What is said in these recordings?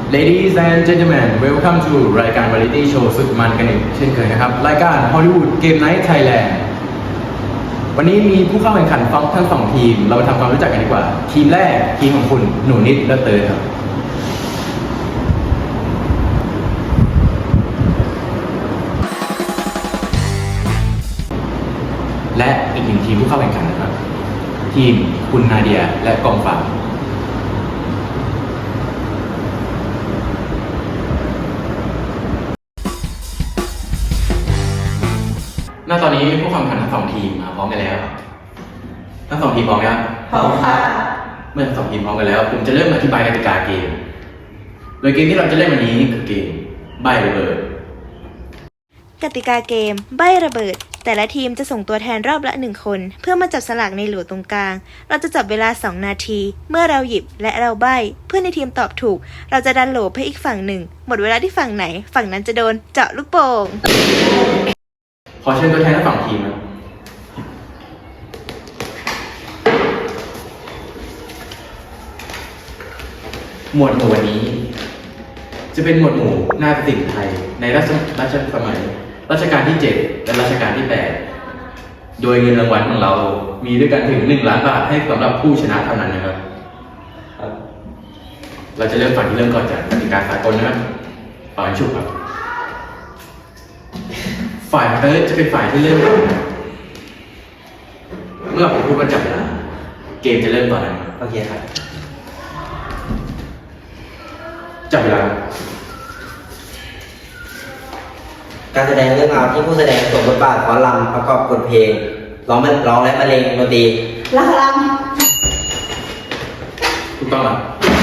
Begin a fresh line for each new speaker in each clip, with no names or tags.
Ladies and gentlemen welcome to รายการ Variety Show สุดมันกันอีกเช่นเคยนะครับรายการ Hollywood Game Night Thailand วันนี้มีผู้เข้าแข่งขันทั้งสองทีมเราไปทำความรู้จักกันดีกว่าทีมแรกทีมของคุณหนูนิดและเตยครับและอีกหนึ่งทีมผู้เข้าแข่งขันนะครับทีมคุณนาเดียและกองฝากณตอนนี้ผู้เข้าแข่งขันทั้งสองทีมมาพร้อมกันแล้วทั้งสองทีมพร้อมไหมครับ
พร้อมค่ะ
เมื่อทั้งสองทีมพร้อมกันแล้วผมจะเริ่มอธิบายกติกาเกมโดยเกมที่เราจะเล่นวันนี้คือเกมใบ้ระเบิด
กติกาเกมใบ้ระเบิดแต่ละทีมจะส่งตัวแทนรอบละ1คนเพื่อมาจับสลากในโหลตรงกลางเราจะจับเวลา2นาทีเมื่อเราหยิบและเราใบ้เพื่อนในทีมตอบถูกเราจะดันโหลไปอีกฝั่งหนึ่งหมดเวลาที่ฝั่งไหนฝั่งนั้นจะโดนเจาะลูกโป่ง
ขอเชิญตัวแทนทั้งสองทีมครับหมวดหมู่วันนี้จะเป็นหมวดหมู่นาฏศิลป์ไทยในรัชสมัยรัชกาลที่7และรัชกาลที่8โดยเงินรางวัลของเรามีด้วยกันถึง1 ล้านบาทให้สำหรับผู้ชนะเท่านั้นนะครับเราจะเริ่มฝั่งที่เริ่มก่อนจากกติกาสากลนะครับฝ่ายชุบครับฝ่ายเติร์ดจะเป็นฝ่ายที่เริ่มก่อนเมื่อผมพูดว่าจับเวลาเกมจะเริ่มต่อนะ
โอเคครับ
จับเวลา
การแสดงเรื่องราวที่ผู้แสดงสวมบทบาทฟ้อนรำประกอบบทเพลงร้องและบรรเลงดนตรี
ละคร
ถูกต้องครับ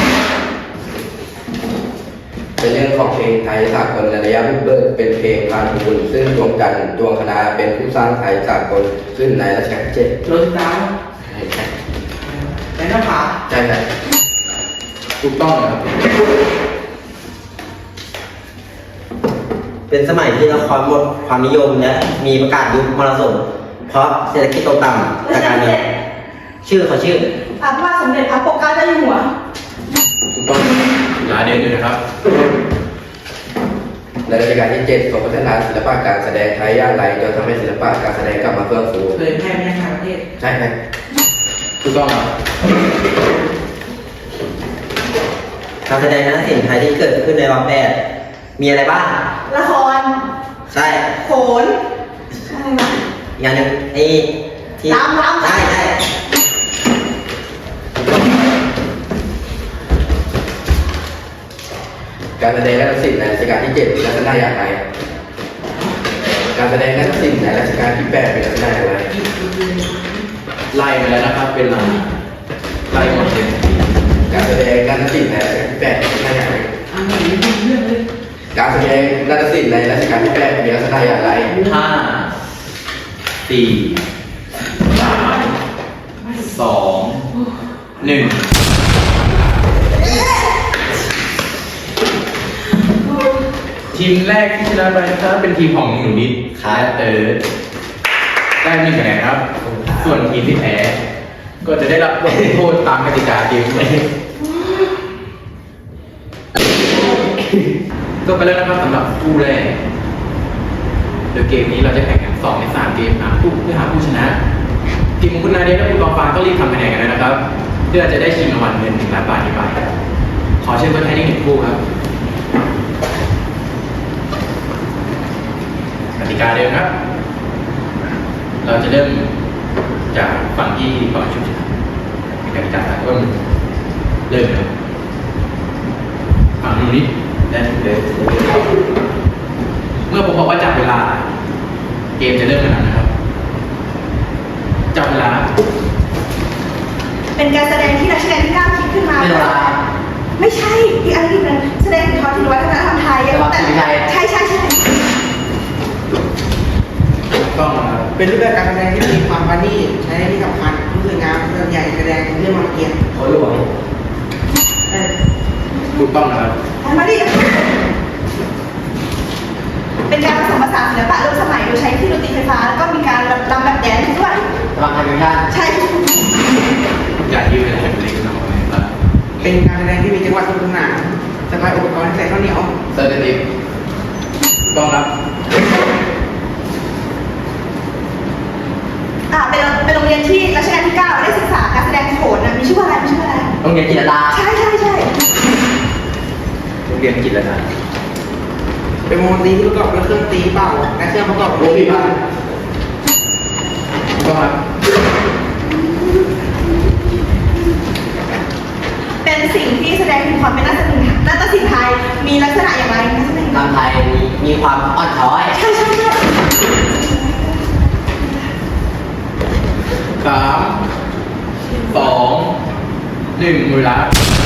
เป็นเรื่องของเพลงไทยสากลระยะบุกเบิกเป็นเพลงพาทูลซึ่งดวงจันทร์ดวงคณาเป็นผู้สร้างไทยสากลขึ้นในรัชกาลที่7
โรสตาร์และน้ำผา
ใช่ครับ
ถูกต้องครับ
เป็นสมัยที่ละครหมดความนิยมและมีประกาศยุคมรสุมเพราะเศรษฐกิจตกต่ำจากการเงินชื่อพระบาทสมเด็จพระปกเกล้าเจ้าอยู่หัว
ถูกต้องหลายเดือนอยู่นะครับ
ในรัชกาลที่7ทรงพัฒนาศิลปะการแสดงไทยย่านไหลจนทำให้ศิลปะการแสดงกลับมาเฟื่องฟู
เผยแพร่ในต่างประเทศ
ใช่ครับ
ถูกต้องครับ
การแสดงนาฏศิลป์ไทยที่เกิดขึ้นในรอบแบบมีอะไรบ้าง
ละคร
ใช่
โขนใช่ไหม
อย่างหนึ่งที่
รำ
ใช่
การแสดงนาฏศิลป์ในรัชกาลที่7ลักษณะอย่างไรการแสดงนาฏศิลป์ในรัชกาลที่8เป็นลักษณะอย่างไร
ไล่ไปแล้วนะครับเป็นไล่หมดเลย
การแสดงนาฏศิลป์ในรัชกาลที่8เป็นลักษณะอย่างไรการแสดงนาฏศิลป์ในรัชกาลที่8มีลักษณะอย่างไร
5 4 3 2 1ทีมแรกที่ชนะไปนะครับเป็นทีมของหนูนิดและเติร์ดได้1 คะแนนครับส่วนทีมที่แพ้ก็จะได้รับบทโทษตามกติกาเกมก็ไปแล้วนะครับสำหรับคู่แรกโดยเกมนี้เราจะแข่งกัน2 ใน 3 เกมหาผู้ชนะทีมของคุณนาเดียและคุณกองฟ้าก็รีบทำคะแนนกันเลยนะครับเพื่อจะได้ชิงรางวัลเงิน1 ล้านบาทนี้ไปขอเชิญตัวแทนอีก1 คู่ครับกติกาเดิมครับเราจะเริ่มจากฝั่งที่ก่อนชุดกติกาก็เริ่มครับฝั่งนี้และเดิมเมื่อผมบอกว่าจับเวลาเกมจะเริ่มแล้วนะครับจับเวลา
เป็นการแสดงที่รัชกาลที่9คิดขึ้นมาไม่ใช่ที่อันนี้เป็นแสดงถึงความถึงวัฒนธรรมไทยแต่ใช่
ต้อง
เป็นรูปแบบการแสดงที่มีความประณีตใช้ที่สำคัญผู้สวยงามส่วนใหญ่แสดงเรื่องมาเกียรติ
เขาหลวง
ถูกต้องนะครับ
มาดิเป็นการผสมผสานศิลปะร่วมสมัยโดยใช้เครื่องดนตรีไฟฟ้าแล้วก็มีการรำแบบแดนซ์ด้วย
รำธรรมชาติ
ใช่
อย่ายืดอะไรเล็กน้อยครับ
เป็นการแสดงที่มีจังหวะสนุกสนาน
สะพายอุปกรณ์ใส่ข้าวเหนียว
เซอร์ติฟต้องรับ
เป็นโรงเรียนที่รัชกาลที่ 9ได้ศึกษาการแสดงโขนมีชื่อว่าอะไรมีชื่อว่าอะไร
โรงเรียนจิตรดา
ใช่
โรงเรียนกิจแล้วนะ
เป็นวงดนตรีที่ประกอบด้วยเครื่องตีเป่าและเครื่องประกอบ
โอ้พี่บ้านต้องรับ
เป็นสิ่งที่แสดงถึงความเป็นนาฏศิลป์ไทยมีลักษณะอย่างไรนักแสดง
ลำไทยมีความอ่อนช้อย
ใช่
3 2 1เวลา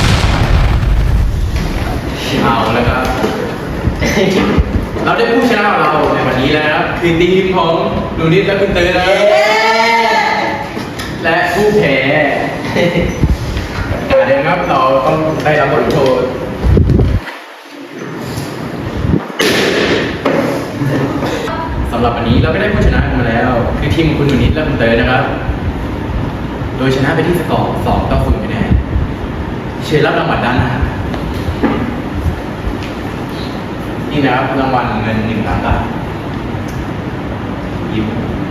เอาแล้วครับ เราได้ผู้ชนะของเราในวันนี้แล้วนะครับคือทีมของหนูนิดและคุณเตยนะครับและผู้แพ้การเดินครับเราต้องได้รับบทลงโทษสำหรับวันนี้เราก็ได้ผู้ชนะกันมาแล้ว คือทีมของคุณหนูนิดและคุณเตยนะครับ โดยชนะไปที่สกอร์2-0คะแนนเชิญรับรางวัลด้านหน้านี่นะครับรางวัลเงิน1 ล้านบาทยิ้ม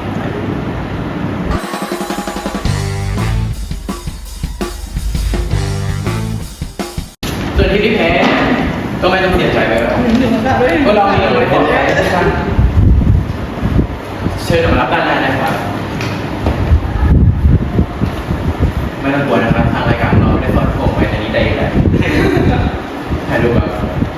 ส่วนทีมที่แพ้ก็ไม่ต้องเสียใจไปแล้วเพราะเรามีรางวัลปลอบใจให้ท่านเชิญมารับด้านหน้านะครับไม่ต้องกลัวนะครับทางรายการเราได้สอนผมไว้ในนี้ได้อยู่แล้วถ่ายรูปแบบ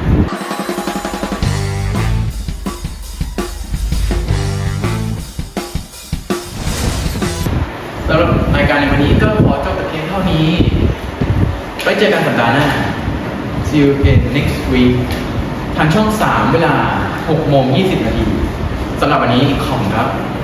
สำหรับรายการในวันนี้ก็ขอจบแต่เพียงเท่านี้ไว้เจอกันสัปดาห์หน้า See you again next week ทางช่อง 3 เวลา 6:20 น.สำหรับวันนี้ขอบคุณครับ